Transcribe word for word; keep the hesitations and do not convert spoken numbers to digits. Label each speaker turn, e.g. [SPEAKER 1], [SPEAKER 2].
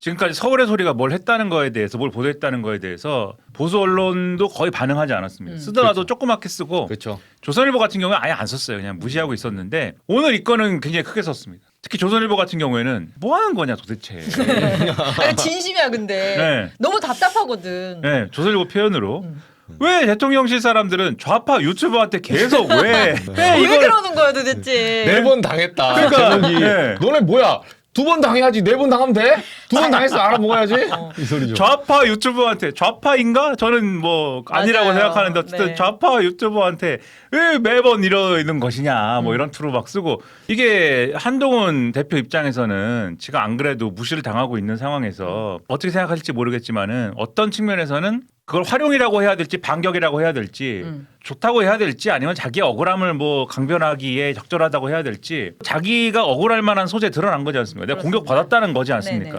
[SPEAKER 1] 지금까지 서울의 소리가 뭘 했다는 거에 대해서 뭘 보도했다는 거에 대해서 보수 언론도 거의 반응하지 않았습니다.
[SPEAKER 2] 음.
[SPEAKER 1] 쓰더라도
[SPEAKER 3] 그렇죠.
[SPEAKER 1] 조그맣게 쓰고
[SPEAKER 3] 그렇죠.
[SPEAKER 1] 조선일보 같은 경우는 아예 안 썼어요. 그냥 무시하고 있었는데 오늘 이 건은 굉장히 크게 썼습니다. 특히 조선일보 같은 경우에는 뭐 하는 거냐 도대체.
[SPEAKER 2] 아니, 진심이야 근데
[SPEAKER 1] 네.
[SPEAKER 2] 너무 답답하거든.
[SPEAKER 1] 네, 조선일보 표현으로
[SPEAKER 2] 음.
[SPEAKER 1] 왜 대통령실 사람들은 좌파 유튜버한테 계속 왜, 왜
[SPEAKER 2] 왜
[SPEAKER 1] 이걸
[SPEAKER 2] 그러는 거야 도대체?
[SPEAKER 3] 네 번 당했다.
[SPEAKER 1] 그러니까,
[SPEAKER 3] 제목이
[SPEAKER 1] 네.
[SPEAKER 3] 너네 뭐야? 두 번 당해야지. 네 번 당하면 돼? 두 번 당했어 알아먹어야지. 이 소리죠.
[SPEAKER 1] 좌파 유튜버한테 좌파인가? 저는 뭐 아니라고
[SPEAKER 2] 맞아요.
[SPEAKER 1] 생각하는데 어쨌든
[SPEAKER 2] 네.
[SPEAKER 1] 좌파 유튜버한테 왜 매번 이러는 것이냐 뭐
[SPEAKER 2] 음.
[SPEAKER 1] 이런 투로 막 쓰고 이게 한동훈 대표 입장에서는 지금 안 그래도 무시를 당하고 있는 상황에서 어떻게 생각하실지 모르겠지만은 어떤 측면에서는 그걸 활용이라고 해야 될지 반격이라고 해야 될지
[SPEAKER 2] 음.
[SPEAKER 1] 좋다고 해야 될지 아니면 자기 억울함을 뭐 강변하기에 적절하다고 해야 될지 자기가 억울할 만한 소재 드러난 거지 않습니까? 내가
[SPEAKER 2] 그렇습니다.
[SPEAKER 1] 공격받았다는 거지 않습니까?
[SPEAKER 2] 네네.